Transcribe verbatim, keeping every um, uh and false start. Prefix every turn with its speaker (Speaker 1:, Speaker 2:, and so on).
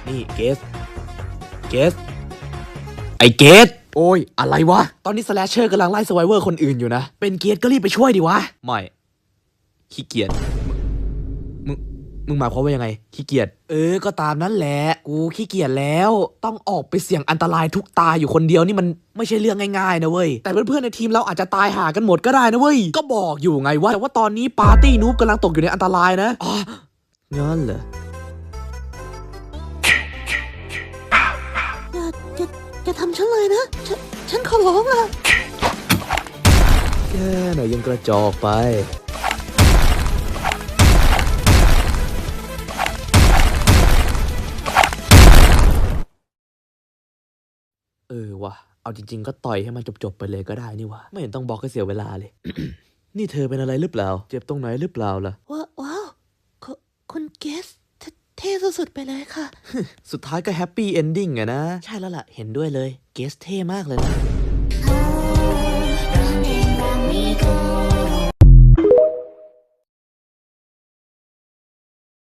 Speaker 1: นี่เกสเกสไอเกสโอ้ยอะไรวะตอนนี้สแลชเชอร์กำลังไล่สไวเวอร์คนอื่นอยู่นะเป็นเกสก็รีบไปช่วยดิวะไม่ขี้เกียจมึงมึงหมายความว่ายังไงขี้เกียจเออก็ตามนั้นแหละกูขี้เกียจแล้วต้องออกไปเสี่ยงอันตรายทุกตายอยู่คนเดียวนี่มันไม่ใช่เรื่องง่ายๆนะเว้ยแต่เพื่อนๆในทีมเราอาจจะตายหากันหมดก็ได้นะเว้ยก็บอกอยู่ไงว่าแต่ว่าตอนนี้ปาร์ตี้นูบกำลังตกอยู่ในอันตรายนะอ๋องั้นเหรอ
Speaker 2: อย่าอย่าอย่าทำฉันเลยนะฉันฉันขอร้องอะ
Speaker 1: แค่ไหนยังกระจอกไปเออวะเอาจริงๆก็ต่อยให้มันจบๆไปเลยก็ได้นี่วะไม่เห็นต้องบอกให้เสียเวลาเลย นี่เธอเป็นอะไรหรือเปล่าเจ็บตรงไหนหรือเปล่าล่ะ
Speaker 2: ว้าว้าวคุคุณเกสเทเท่สุดๆไปเลยค่ะ
Speaker 1: สุดท้ายก็แฮปปี้เอนดิ้งอะนะใช่แล้วล่ะเห็นด้วยเลยเกสเท่มากเลยนะ